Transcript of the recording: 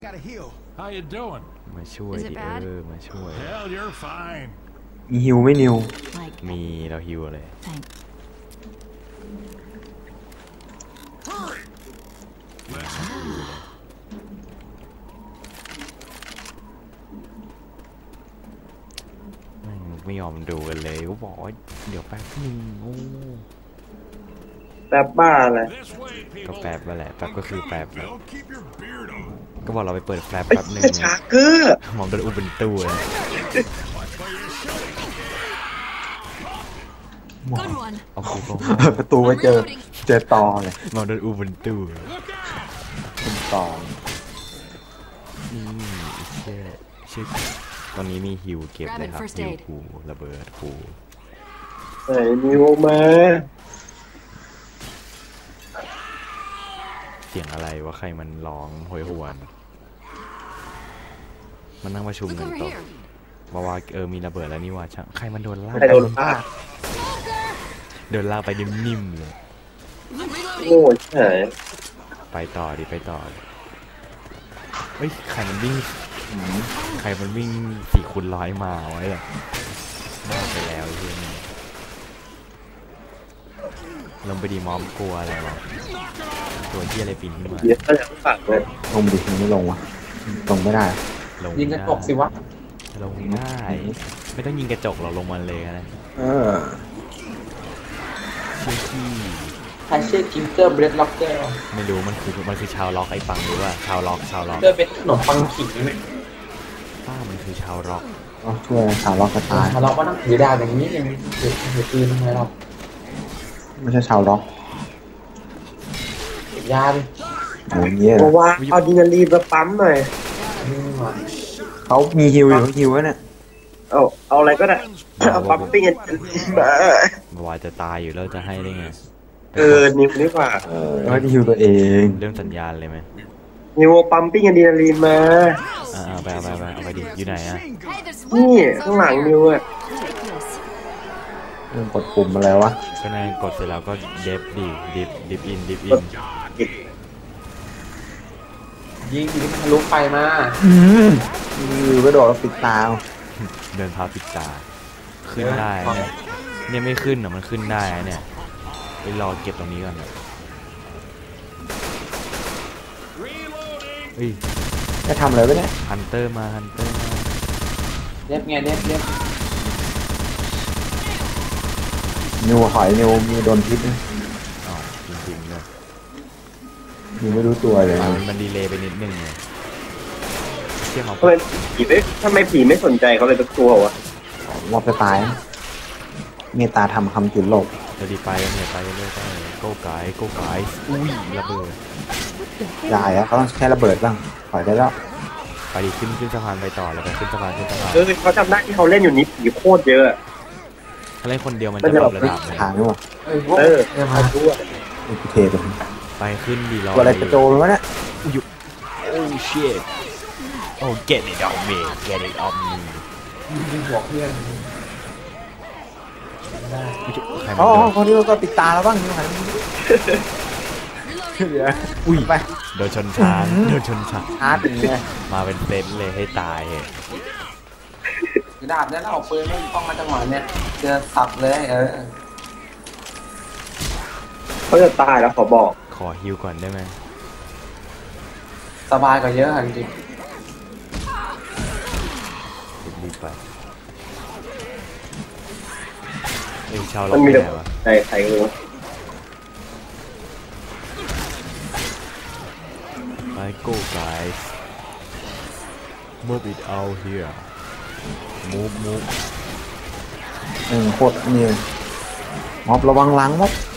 How you doing? มาช่วยดิมาช่วย Hell, you're fine. มีฮิวไม่นิวมีเราฮิวเลยไม่ยอมดูกันเลยก็บอกว่าเดี๋ยวแป๊บนึงโอ้แป๊บบ้าอะไรก็แป๊บมาแหละแป๊บก็คือแป๊บแล้วก็บอกเราไปเปิดแฟลชแป๊บนึงชาเกอร์มองโดนอุบันตู้เลยเอาคูก็ประตูไปเจอตอเลยมองโดนอุบันตู้เป็นตอชื่อตอนนี้มีฮิวเก็บเลยครับฮิวคูระเบิดคูไหนนิวมาเสียงอะไรวะใครมันร้องโหยหวนมันนั่งประชุมกันต่อบอกว่ามีระเบิดแล้วนี่ว่าใครมันโดนลากโดนลากไปนิ่มๆเลยโง่ใช่ไปต่อดิเฮ้ยใครมันวิ่ง4x100มาไว้เลยน่าไปแล้วเพื่อนลงไปดีมอมกลัวอะไรวะตัวที่อะไรปีนขึ้นมาเยอะก็จะฝังเลยลงดิไม่ลงวะลงไม่ได้ยิงกระจกสิวะลงได้ไม่ต้องยิงกระจกเราลงมาเลยนะใครชื่อกิงเกอร์เบรดล็อกเกอร์ไม่รู้มันคือชาวล็อกไอ้ปังหรือว่าชาวล็อกเกอร์เป็นขนมปังขิงไหมป้ามันคือชาวล็อกช่วยชาวล็อกกระตายชาวล็อกว่าต้องถือดาบอย่างนี้ยังถือปืนทำไมเราไม่ใช่ชาวล็อกยาดิโอ้ยเงี้ยเพราะว่าเอาดินาลีนมาปั๊มหน่อยเขามีฮิวอยู่ฮิวไว้เนี่ยเอาอะไรก็ได้เอาปั๊มปิ้งกันว่าจะตายอยู่แล้วจะให้ได้ไงนิวนี่กว่าว่าฮิวตัวเองเรื่องสัญญาณเลยไหมนิวปั๊มปิ้งกันดินาลีนมาไปเอาไปดิอยู่ไหนอ่ะนี่ข้างหลังนิวอ่ะกดปุ่มมาแล้ววะก็นั่งกดเสร็จแล้วก็เดฟดิฟอินยิงมันทะลุไปมาก็โดดแล้วปิดตาเดินพาปิดตาขึ้นได้เนี่ยไม่ขึ้นมันขึ้นได้เนี่ยไปรอเก็บตรงนี้ก่อนจะทำอะไรไปเนี่ยฮันเตอร์มาเด็บไงเด็บนิวหอยนิวมีโดนพิษนะจริงๆเลยนิวไม่รู้ตัวเลยมันดีเลย์ไปนิดนึงเลยเที่ยงเขาทำไมผีไม่สนใจเขาเลยตะกลัววะว่าจะตายเมตตาทำคำจุดโลกจะดีไปเนี่ยไปเรื่อยๆโก้ไก่อุ้ยระเบิดได้แล้วเขาต้องใช้ระเบิดบ้างปล่อยได้แล้วไปดีขึ้นสะพานไปต่อแล้วไปขึ้นสะพานเขาจำได้ที่เขาเล่นอยู่นี้ผีโคตรเยอะเขาเล่นคนเดียวมันจะแบบระดับทางด้วยมาด้วยเทไปขึ้นดีรออะไรกระโจนวะเนี่ยโอ้เชี่ยโอ้ get it on me ยิงหัวเพื่อนคนนี้ก็ปิดตาแล้วบ้างนี่มันอุ้ยไปโดนชนช้างอาร์ตอย่างเงี้ยมาเป็นเซนเลยให้ตายดาบเนี่ยเราเอาปืนไม่ต้องมาจังหวะเนี่ยเจอสับเลยเขาจะตายแล้วขอฮิวก่อนได้ไหมสบายกว่าเยอะจริงรีบไปชาวล็อกแน่วะใครรู้ Go guys move it out here move โคตรนี่ม็อบระวังหลังม็อบ